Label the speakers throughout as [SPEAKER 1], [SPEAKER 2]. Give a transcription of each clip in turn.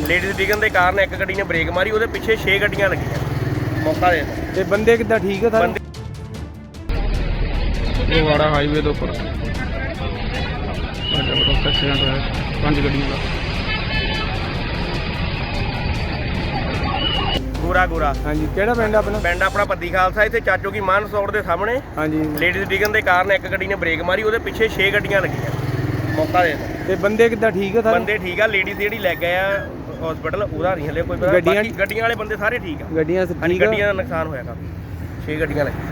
[SPEAKER 1] Ladies ਡਿੱਗਣ ਦੇ ਕਾਰਨ ਇੱਕ ਗੱਡੀ ਨੇ ਬ੍ਰੇਕ ਮਾਰੀ, ਉਹਦੇ ਪਿੱਛੇ 6 ਗੱਡੀਆਂ ਲੱਗੀਆਂ ਮੌਕਾ ਦੇ
[SPEAKER 2] ਤੇ ਬੰਦੇ ਕਿੱਦਾਂ ਠੀਕ ਆ ਸਾਰੇ?
[SPEAKER 3] ਫਗਵਾੜਾ ਹਾਈਵੇ ਦੇ ਉੱਪਰ ਐਕਸੀਡੈਂਟ ਹੋਇਆ 5 ਗੱਡੀਆਂ ਦਾ।
[SPEAKER 1] ਗੋਰਾ
[SPEAKER 2] ਹਾਂਜੀ, ਕਿਹੜਾ ਪਿੰਡ ਆਪਣਾ?
[SPEAKER 1] ਪਿੰਡ ਆਪਣਾ ਪੱਦੀ ਖਾਲਸਾ, ਇੱਥੇ ਚਾਚੋ ਕੀ ਮਾਨ ਸੌੜ ਦੇ ਸਾਹਮਣੇ
[SPEAKER 2] ਹਾਂਜੀ।
[SPEAKER 1] ਲੇਡੀਜ਼ ਡਿੱਗਣ ਦੇ ਕਾਰਨ ਇੱਕ ਗੱਡੀ ਨੇ ਬ੍ਰੇਕ ਮਾਰੀ, ਉਹਦੇ ਪਿੱਛੇ 6 ਗੱਡੀਆਂ ਲੱਗੀਆਂ ਮੌਕਾ ਦੇ
[SPEAKER 2] ਤੇ ਬੰਦੇ ਕਿੱਦਾਂ ਠੀਕ ਆ ਸਾਰੇ?
[SPEAKER 1] ਬੰਦੇ ਠੀਕ ਆ, ਲੇਡੀਜ਼ ਜਿਹੜੀ ਲੈ ਗਏ ਆ ਹਸਪੀਟਲ ਉਹਦਾ ਨਹੀਂ ਹਲੇ ਕੋਈ ਪਤਾ। ਬਾਕੀ ਗੱਡੀਆਂ ਵਾਲੇ ਬੰਦੇ ਸਾਰੇ ਠੀਕ ਆ।
[SPEAKER 2] ਗੱਡੀਆਂ
[SPEAKER 1] ਹਾਂਜੀ, ਗੱਡੀਆਂ ਦਾ ਨੁਕਸਾਨ ਹੋਇਆ ਕਾਫੀ, 6 ਗੱਡੀਆਂ ਲੱਗੀਆਂ।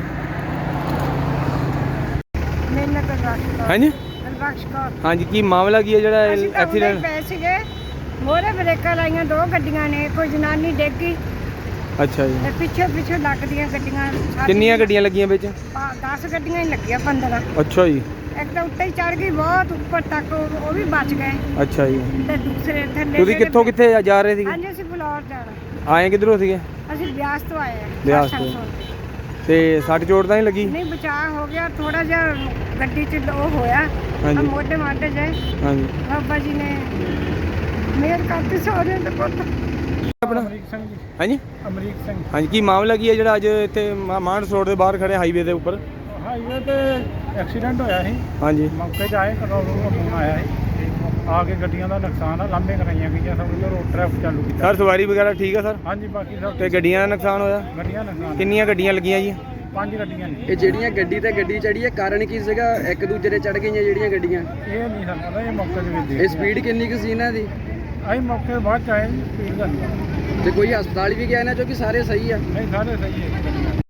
[SPEAKER 2] ਹਾਂਜੀ
[SPEAKER 4] ਬਖਸ਼ ਕੌਰ।
[SPEAKER 2] ਹਾਂਜੀ, ਕੀ ਮਾਮਲਾ ਕੀ ਹੈ ਜਿਹੜਾ
[SPEAKER 4] ਐਕਸੀਡੈਂਟ ਪੈ ਸੀਗੇ, ਮੋਰੇ ਬ੍ਰੇਕਾਂ ਲਾਈਆਂ 2 ਗੱਡੀਆਂ ਨੇ, ਕੋਈ ਜਨਾਨੀ ਡਿੱਗ ਗਈ
[SPEAKER 2] ਅੱਛਾ ਜੀ।
[SPEAKER 4] ਤੇ ਪਿੱਛੇ ਲੱਗਦੀਆਂ ਗੱਡੀਆਂ।
[SPEAKER 2] ਕਿੰਨੀਆਂ ਗੱਡੀਆਂ ਲੱਗੀਆਂ ਵਿੱਚ?
[SPEAKER 4] 10 ਗੱਡੀਆਂ ਹੀ ਲੱਗੀਆਂ, 15।
[SPEAKER 2] ਅੱਛਾ ਜੀ।
[SPEAKER 4] ਇੱਕ ਤਾਂ ਉੱਤੇ ਹੀ ਚੜ ਗਈ ਬਹੁਤ ਉੱਪਰ ਤੱਕ, ਉਹ ਵੀ ਬਚ ਗਏ।
[SPEAKER 2] ਅੱਛਾ ਜੀ।
[SPEAKER 4] ਤੇ ਦੂਸਰੇ ਥੱਲੇ
[SPEAKER 2] ਤੁਸੀਂ ਕਿੱਥੋਂ ਕਿੱਥੇ ਜਾ ਰਹੇ ਸੀਗੇ?
[SPEAKER 4] ਹਾਂਜੀ, ਅਸੀਂ ਫਲੋਰ ਜਾਣਾ।
[SPEAKER 2] ਆਏ ਕਿੱਧਰੋਂ ਸੀਗੇ?
[SPEAKER 4] ਅਸੀਂ ਬਿਆਸ ਤੋਂ ਆਏ ਆ।
[SPEAKER 2] ਬਿਆਸ ਤੋਂ। ਤੇ ਸੱਟ ਚੋਟ ਤਾਂ ਨਹੀਂ ਲੱਗੀ?
[SPEAKER 4] ਨਹੀਂ, ਬਚਾਅ ਹੋ ਗਿਆ ਥੋੜਾ ਜਿਹਾ, ਗੱਡੀ 'ਚ ਉਹ ਹੋਇਆ
[SPEAKER 2] ਹਾਂਜੀ।
[SPEAKER 4] ਮੋਢੇ ਮਾਢੇ ਜੇ।
[SPEAKER 2] ਹਾਂਜੀ।
[SPEAKER 4] ਬਾਬਾ ਜੀ ਨੇ ਮਿਹਰ ਕਰਤੀ ਸਹੁਰੇ ਦੇ ਪੁੱਤ।
[SPEAKER 2] ਆਪਣਾ
[SPEAKER 3] ਅਮਰੀਕ ਸਿੰਘ ਜੀ।
[SPEAKER 2] ਹਾਂਜੀ
[SPEAKER 3] ਅਮਰੀਕ ਸਿੰਘ।
[SPEAKER 2] ਹਾਂਜੀ, ਕੀ ਮਾਮਲਾ ਕੀ ਹੈ ਜਿਹੜਾ ਅੱਜ ਇੱਥੇ ਮਾਨਸ ਰੋਡ ਦੇ ਬਾਹਰ ਖੜੇ ਹਾਈਵੇ ਦੇ ਉੱਪਰ?
[SPEAKER 3] ਹਾਈਵੇ ਤੇ ਐਕਸੀਡੈਂਟ ਹੋਇਆ ਸੀ,
[SPEAKER 2] ਹਾਂਜੀ।
[SPEAKER 3] ਮੌਕੇ 'ਤੇ ਆਏ, ਕੰਟਰੋਲ ਰੂਮ ਫੋਨ ਆਇਆ ਸੀ, ਆ ਕੇ ਗੱਡੀਆਂ ਦਾ ਨੁਕਸਾਨ ਆ, ਲਾਂਭੇ ਕਰਾਈਆਂ ਗਈਆਂ, ਸਭ ਨੂੰ ਰੋਡ ਟ੍ਰੈਫਿਕ ਚਾਲੂ ਕੀਤਾ।
[SPEAKER 2] ਸਰ ਸਵਾਰੀ ਵਗੈਰਾ ਠੀਕ ਆ ਸਰ?
[SPEAKER 3] ਹਾਂਜੀ, ਬਾਕੀ ਸਭ
[SPEAKER 2] ਤੇ ਗੱਡੀਆਂ ਦਾ ਨੁਕਸਾਨ ਹੋਇਆ?
[SPEAKER 3] ਗੱਡੀਆਂ ਨੁਕਸਾਨ।
[SPEAKER 2] ਕਿੰਨੀਆਂ ਗੱਡੀਆਂ ਲੱਗੀਆਂ ਜੀ?
[SPEAKER 3] 5 ਗੱਡੀਆਂ ਨੇ।
[SPEAKER 5] ਇਹ ਜਿਹੜੀਆਂ ਗੱਡੀ ਤੇ ਗੱਡੀ ਚੜੀ ਹੈ, ਕਾਰਨ ਕੀ ਸੀਗਾ? ਇੱਕ ਦੂਜੇ ਤੇ ਚੜ ਗਈਆਂ ਜਿਹੜੀਆਂ ਗੱਡੀਆਂ,
[SPEAKER 3] ਇਹ ਨਹੀਂ ਸਾਨੂੰ ਪਤਾ, ਇਹ ਮੌਕੇ 'ਤੇ ਵੀ
[SPEAKER 5] ਇਹ
[SPEAKER 3] ਦੇਖ
[SPEAKER 5] ਸਪੀਡ ਕਿੰਨੀ ਕੁ ਸੀ ਇਹਨਾਂ ਦੀ?
[SPEAKER 3] ਅਸੀਂ ਮੌਕੇ 'ਤੇ ਬਾਅਦ 'ਚ ਆਏ, ਸਪੀਡ ਦਾ ਨਹੀਂ
[SPEAKER 5] ਤੇ ਕੋਈ ਹਸਪਤਾਲ ਵੀ ਗਿਆ ਇਹਨਾਂ ਚੋਂ ਕਿ ਸਾਰੇ ਸਹੀ ਆ?
[SPEAKER 3] ਨਹੀਂ, ਸਾਰੇ ਸਹੀ ਹੈ।